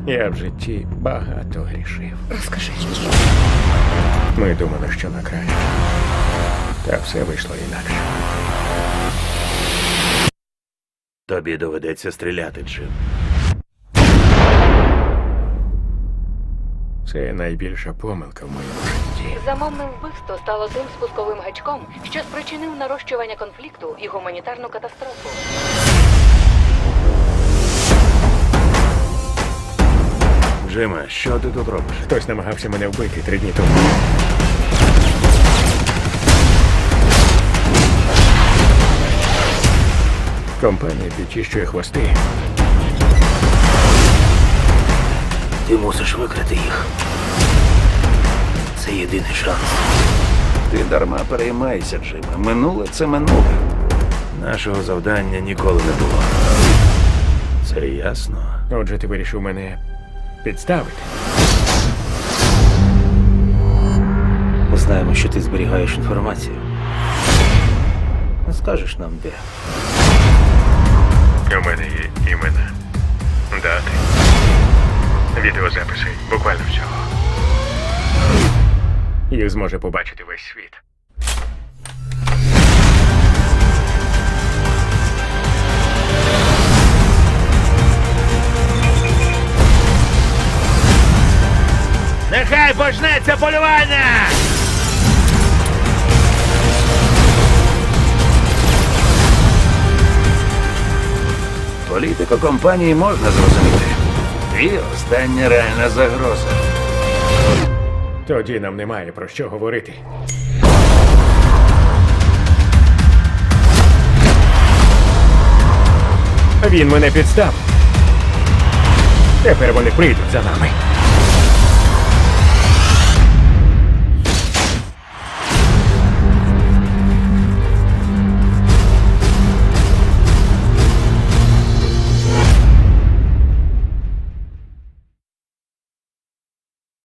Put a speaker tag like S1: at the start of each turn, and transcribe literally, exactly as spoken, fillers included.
S1: Я в житті багато грішив.
S2: Розкажи.
S1: Ми думали, що на краще. Та все вийшло інакше.
S3: Тобі доведеться стріляти, Джим.
S1: Це найбільша помилка в моєму житті.
S2: Замовне вбивство стало тим спусковим гачком, що спричинив нарощування конфлікту і гуманітарну катастрофу.
S3: Джиме, що ти тут робиш?
S1: Хтось намагався мене вбити три дні тому. Компанія підчищує хвости.
S3: Ти мусиш викрити їх. Це єдиний шанс. Ти дарма переймайся, Джиме. Минуле – це минуле. Нашого завдання ніколи не було. Це ясно.
S1: Отже, ти вирішив мене підставити.
S3: Ми знаємо, що ти зберігаєш інформацію. Не скажеш нам, де.
S1: У мене є імена, дати, відеозаписи, буквально всього. Їх зможе побачити весь світ.
S3: Нехай почнеться полювання! Політику компанії можна зрозуміти. Ти остання реальна загроза.
S1: Тоді нам немає про що говорити. Він мене підстав. Тепер вони прийдуть за нами.